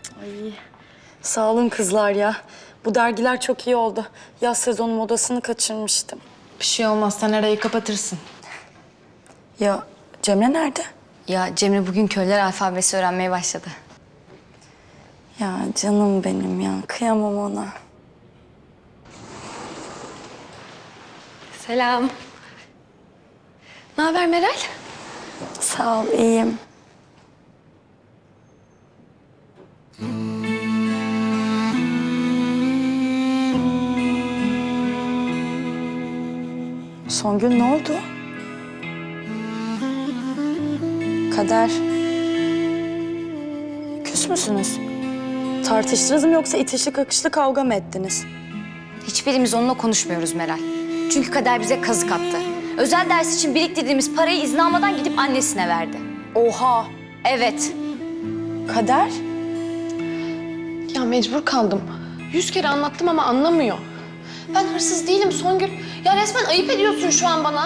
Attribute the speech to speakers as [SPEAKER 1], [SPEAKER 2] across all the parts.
[SPEAKER 1] Ay, sağ olun kızlar ya. Bu dergiler çok iyi oldu. Yaz sezonu modasını kaçırmıştım.
[SPEAKER 2] Bir şey olmaz, sen arayı kapatırsın.
[SPEAKER 1] Ya Cemre nerede?
[SPEAKER 3] Ya Cemre bugün köyler alfabesi öğrenmeye başladı.
[SPEAKER 1] Ya canım benim ya. Kıyamam ona.
[SPEAKER 3] Selam. Ne haber Meral?
[SPEAKER 1] Sağ ol, iyiyim. Songül ne oldu? Kader. Küs müsünüz? Tartıştınız mı yoksa itişli kakışlı kavga mı ettiniz?
[SPEAKER 3] Hiçbirimiz onunla konuşmuyoruz Meral. Çünkü Kader bize kazık attı. Özel ders için biriktirdiğimiz parayı izin almadan gidip annesine verdi.
[SPEAKER 1] Oha!
[SPEAKER 3] Evet.
[SPEAKER 1] Kader?
[SPEAKER 2] Ya mecbur kaldım. 100 kere anlattım ama anlamıyor. Ben hırsız değilim Songül. Ya resmen ayıp ediyorsun şu an bana.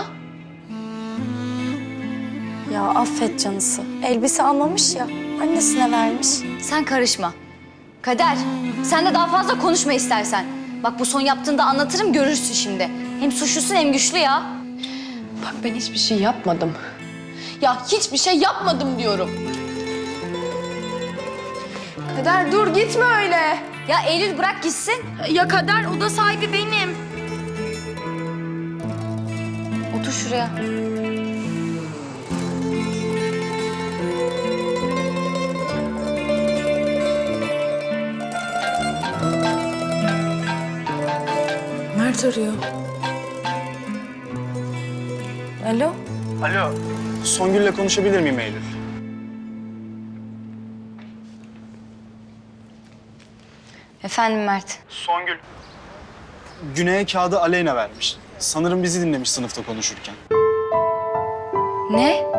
[SPEAKER 1] Ya affet canısı. Elbise almamış ya, annesine vermiş.
[SPEAKER 3] Sen karışma. Kader, sen de daha fazla konuşma istersen. Bak bu son yaptığında anlatırım, görürsün şimdi. Hem suçlusun hem güçlü ya.
[SPEAKER 2] Bak ben hiçbir şey yapmadım. Ya hiçbir şey yapmadım diyorum. Kader dur gitme öyle.
[SPEAKER 3] Ya Eylül bırak gitsin.
[SPEAKER 1] Ya Kader, oda sahibi benim.
[SPEAKER 3] Otur şuraya.
[SPEAKER 1] Mert arıyor. Alo?
[SPEAKER 4] Alo, Songül'le konuşabilir miyim Eylül?
[SPEAKER 3] Efendim Mert.
[SPEAKER 4] Songül. Güney'e kağıdı Aleyna vermiş. Sanırım bizi dinlemiş sınıfta konuşurken.
[SPEAKER 3] Ne?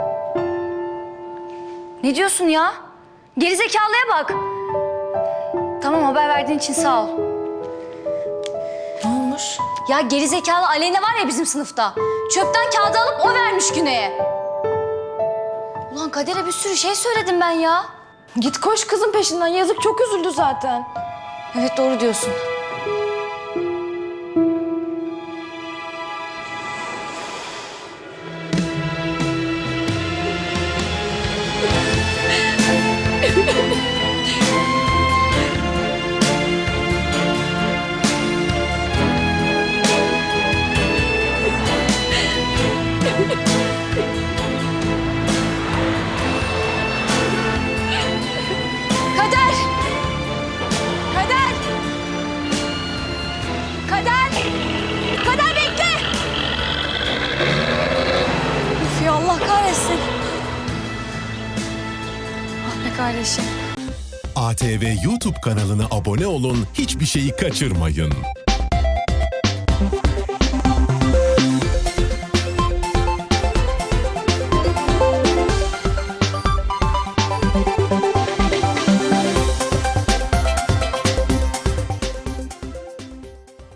[SPEAKER 3] Ne diyorsun ya? Gerizekalıya bak. Tamam, haber verdiğin için sağ ol.
[SPEAKER 1] Ne olmuş?
[SPEAKER 3] Ya gerizekalı Aleyna var ya bizim sınıfta. Çöpten kağıdı alıp o vermiş Güney'e. Ulan Kader'e bir sürü şey söyledim ben ya.
[SPEAKER 2] Git koş kızın peşinden. Yazık çok üzüldü zaten.
[SPEAKER 3] Evet doğru diyorsun. Kader! Kader! Kader! Kader bekle!
[SPEAKER 1] Üf ya, Allah kahretsin. Ah be kardeşim.
[SPEAKER 5] ATV YouTube kanalına abone olun, hiçbir şeyi kaçırmayın.